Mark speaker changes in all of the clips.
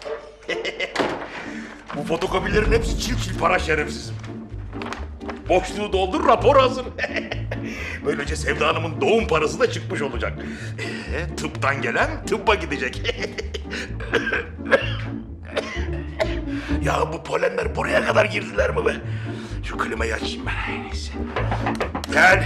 Speaker 1: Bu fotokopilerin hepsi çil çil para şerefsizim. Boşluğu doldur, rapor hazır. Böylece Sevda Hanım'ın doğum parası da çıkmış olacak. Tıptan gelen tıbba gidecek. Ya bu polenler buraya kadar girdiler mi be? Şu klimayı açayım ben. Neyse. Gel.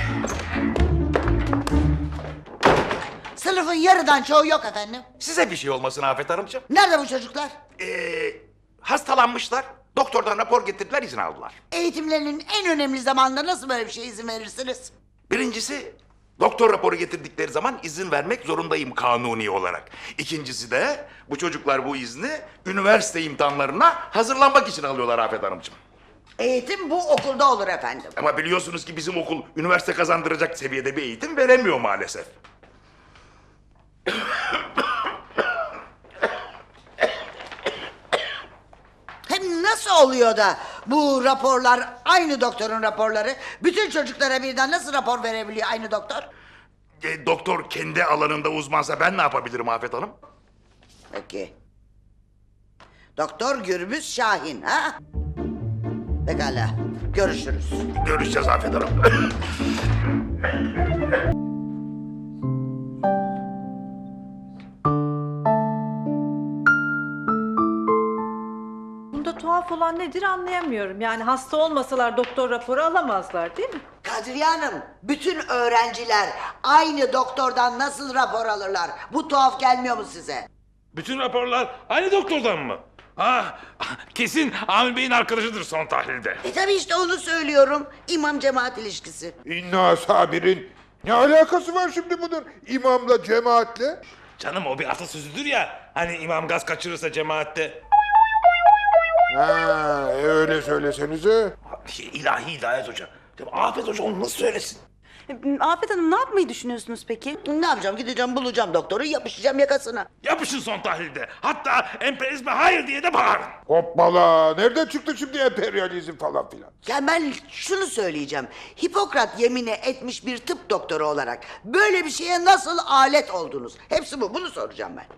Speaker 2: Sınıfın yarıdan çoğu yok efendim.
Speaker 1: Size bir şey olmasın Afet Hanımcığım.
Speaker 2: Nerede bu çocuklar?
Speaker 1: Hastalanmışlar. Doktordan rapor getirdiler, izin aldılar.
Speaker 2: Eğitimlerinin en önemli zamanında nasıl böyle bir şeye izin verirsiniz?
Speaker 1: Birincisi, doktor raporu getirdikleri zaman izin vermek zorundayım kanuni olarak. İkincisi de bu çocuklar bu izni üniversite imtihanlarına hazırlanmak için alıyorlar Afet Hanımcığım.
Speaker 2: Eğitim bu okulda olur efendim.
Speaker 1: Ama biliyorsunuz ki bizim okul üniversite kazandıracak seviyede bir eğitim veremiyor maalesef.
Speaker 2: Hem nasıl oluyor da bu raporlar aynı doktorun raporları? Bütün çocuklara birden nasıl rapor verebiliyor aynı doktor?
Speaker 1: Doktor kendi alanında uzmansa ben ne yapabilirim Afet Hanım?
Speaker 2: Peki. Doktor Gürbüz Şahin ha? Pekala. Görüşürüz.
Speaker 1: Görüşeceğiz Afet Hanım.
Speaker 3: Bunda tuhaf olan nedir anlayamıyorum. Yani hasta olmasalar doktor raporu alamazlar değil mi?
Speaker 2: Kadriye Hanım, bütün öğrenciler aynı doktordan nasıl rapor alırlar? Bu tuhaf gelmiyor mu size?
Speaker 4: Bütün raporlar aynı doktordan mı? Ha, kesin Amir Bey'in arkadaşıdır son tahlilde.
Speaker 2: Tabii işte onu söylüyorum. İmam cemaat ilişkisi.
Speaker 5: İnna sabirin. Ne alakası var şimdi bunun imamla cemaatle?
Speaker 4: Canım o bir atasözüdür ya. Hani imam gaz kaçırırsa cemaatte.
Speaker 5: Ha, öyle söylesenize.
Speaker 1: İlahi Hidayet Hoca. Ya Afet Hoca onu nasıl söylesin?
Speaker 6: Afet Hanım ne yapmayı düşünüyorsunuz peki?
Speaker 2: Ne yapacağım? Gideceğim bulacağım doktoru, yapışacağım yakasına.
Speaker 4: Yapışın son tahlilde. Hatta emperyalizme hayır diye de bağırın.
Speaker 5: Hoppala. Nereden çıktı şimdi emperyalizm falan filan?
Speaker 2: Ya ben şunu söyleyeceğim. Hipokrat yemini etmiş bir tıp doktoru olarak böyle bir şeye nasıl alet oldunuz? Hepsi bu. Bunu soracağım ben.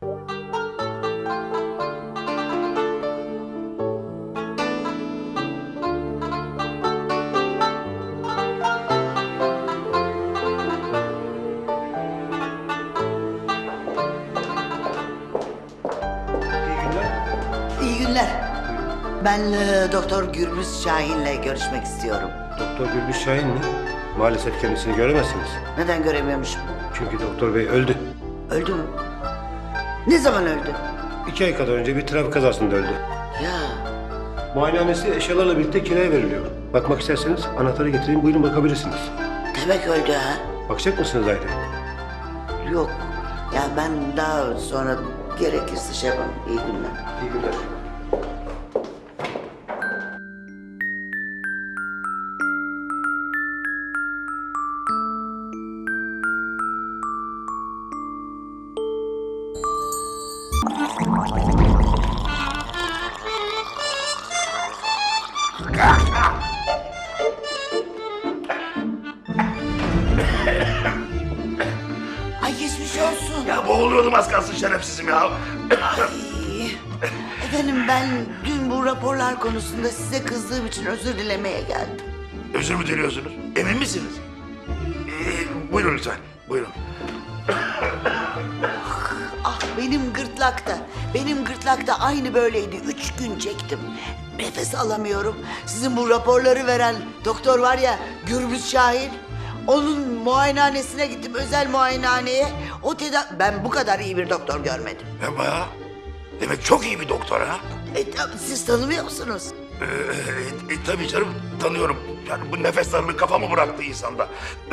Speaker 2: İyi günler. Ben Doktor Gürbüz Şahin'le görüşmek istiyorum.
Speaker 7: Doktor Gürbüz Şahin mi? Maalesef kendisini göremezsiniz.
Speaker 2: Neden göremiyormuşum?
Speaker 7: Çünkü doktor bey öldü.
Speaker 2: Öldü mü? Ne zaman öldü?
Speaker 7: 2 ay kadar önce bir trafik kazasında öldü.
Speaker 2: Ya
Speaker 7: Muayenehanesi eşyalarla birlikte kiraya veriliyor. Bakmak isterseniz anahtarı getireyim, buyurun bakabilirsiniz.
Speaker 2: demek öldü ha?
Speaker 7: Bakacak mısınız ayrı?
Speaker 2: Yok. Ya ben daha sonra gerekirse şey yaparım. İyi günler.
Speaker 7: İyi günler.
Speaker 2: Ay geçmiş olsun.
Speaker 1: Ya boğuluyordum az kalsın şerefsizim ya.
Speaker 2: Ay, efendim ben dün bu raporlar konusunda size kızdığım için özür dilemeye geldim.
Speaker 1: Özür mü diliyorsunuz? Emin misiniz? Buyurun lütfen. Buyurun.
Speaker 2: Ah benim gırtlakta aynı böyleydi. 3 gün çektim. Nefes alamıyorum. Sizin bu raporları veren doktor var ya Gürbüz Şahin. Onun muayenehanesine gittim, özel muayenehaneye. Ben bu kadar iyi bir doktor görmedim.
Speaker 1: Yapma ya. Demek çok iyi bir doktor ha.
Speaker 2: Siz tanımıyor musunuz?
Speaker 1: Tabii canım tanıyorum. Yani bu nefes darlığı kafamı bıraktı insanda.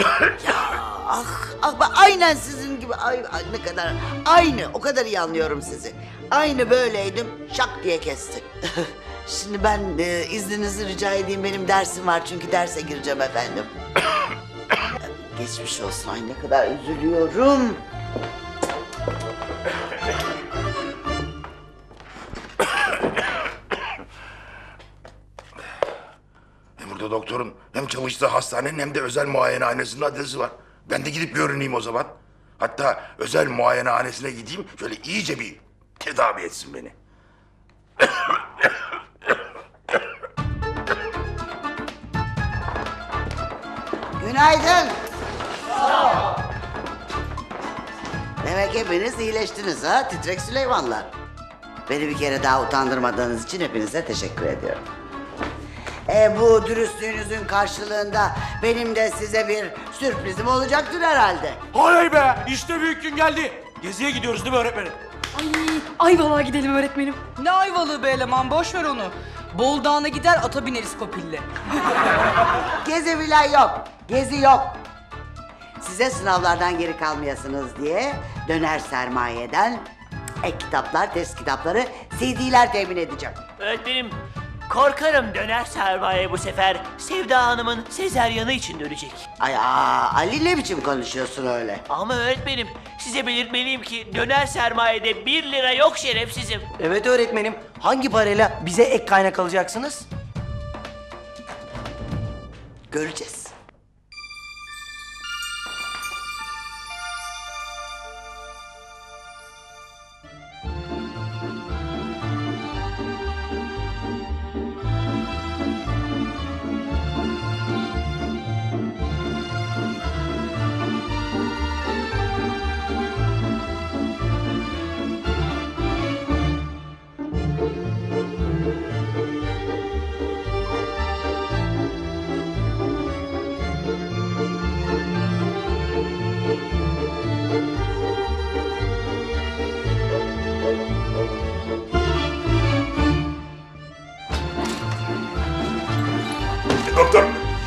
Speaker 2: Aynen sizin gibi. Ay, ne kadar aynı. O kadar iyi anlıyorum sizi. Aynı böyleydim. Şak diye kesti. Şimdi ben izninizi rica edeyim. Benim dersim var çünkü derse gireceğim efendim. Geçmiş olsun. Ay ne kadar üzülüyorum.
Speaker 1: Burada doktorun hem çalıştığı hastanenin hem de özel muayenehanesinin adresi var. Ben de gidip görüneyim o zaman. Hatta özel muayenehanesine gideyim, şöyle iyice bir tedavi etsin beni.
Speaker 2: Günaydın. Demek hepiniz iyileştiniz ha, titrek Süleymanlar. Beni bir kere daha utandırmadığınız için hepinize teşekkür ediyorum. Bu dürüstlüğünüzün karşılığında benim de size bir sürprizim olacaktır herhalde.
Speaker 8: Oley be! İşte büyük gün geldi. Geziye gidiyoruz değil mi öğretmenim?
Speaker 9: Ayvalık'a gidelim öğretmenim. Ne Ayvalık'ı be eleman, boş ver onu. Bol Dağı'na gider ata bineriz Kopil'le.
Speaker 2: Gezi filan yok, gezi yok. Size sınavlardan geri kalmayasınız diye döner sermayeden ek kitaplar, test kitapları, CD'ler temin edeceğim.
Speaker 10: Öğretmenim, korkarım döner sermaye bu sefer Sevda Hanım'ın sezeryanı için dönecek.
Speaker 2: Ali ne biçim konuşuyorsun öyle?
Speaker 10: Ama öğretmenim, size belirtmeliyim ki döner sermayede 1 lira yok şerefsizim.
Speaker 8: Evet öğretmenim. Hangi parayla bize ek kaynak alacaksınız?
Speaker 2: Göreceğiz.
Speaker 1: Doktor.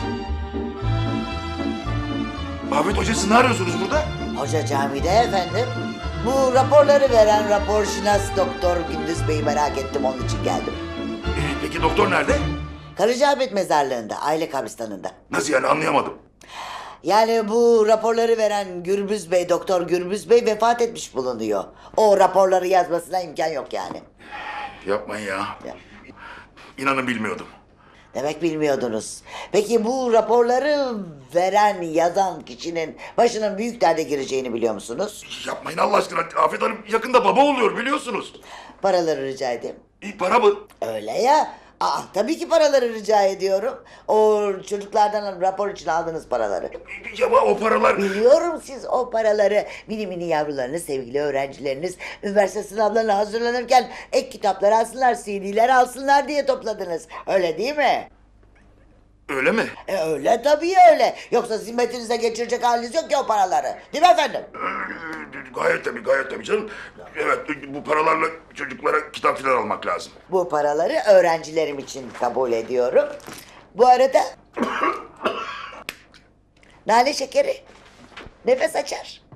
Speaker 1: Ahmet Hoca, siz ne arıyorsunuz burada?
Speaker 2: Hoca camide efendim. Bu raporları veren raporşinas Doktor Gündüz Bey'i merak ettim, onun için geldim.
Speaker 1: Peki doktor nerede?
Speaker 2: Karacaahmet mezarlığında, aile kabristanında.
Speaker 1: Nasıl yani, anlayamadım.
Speaker 2: Yani bu raporları veren Gürbüz Bey, Doktor Gürbüz Bey vefat etmiş bulunuyor. O raporları yazmasına imkan yok yani.
Speaker 1: Yapmayın ya.
Speaker 2: Ya.
Speaker 1: İnanın bilmiyordum.
Speaker 2: Demek bilmiyordunuz. Peki bu raporları veren, yazan kişinin başının büyük derde gireceğini biliyor musunuz?
Speaker 1: Yapmayın Allah aşkına. Afet Hanım yakında baba oluyor, biliyorsunuz.
Speaker 2: Paraları rica edeyim.
Speaker 1: Para mı?
Speaker 2: Öyle ya. Tabii ki paraları rica ediyorum. O çocuklardan rapor için aldığınız paraları.
Speaker 1: Ama o paralar...
Speaker 2: Biliyorum siz o paraları mini mini yavrularınız, sevgili öğrencileriniz üniversite sınavlarına hazırlanırken ek kitaplar alsınlar, CD'ler alsınlar diye topladınız. Öyle değil mi?
Speaker 1: Öyle mi?
Speaker 2: Öyle tabii öyle. Yoksa zimmetinize geçirecek haliniz yok ki o paraları. Değil mi efendim?
Speaker 1: Gayet tabii canım. Evet, bu paralarla çocuklara kitap falan almak lazım.
Speaker 2: Bu paraları öğrencilerim için kabul ediyorum. Bu arada... Nane şekeri nefes açar.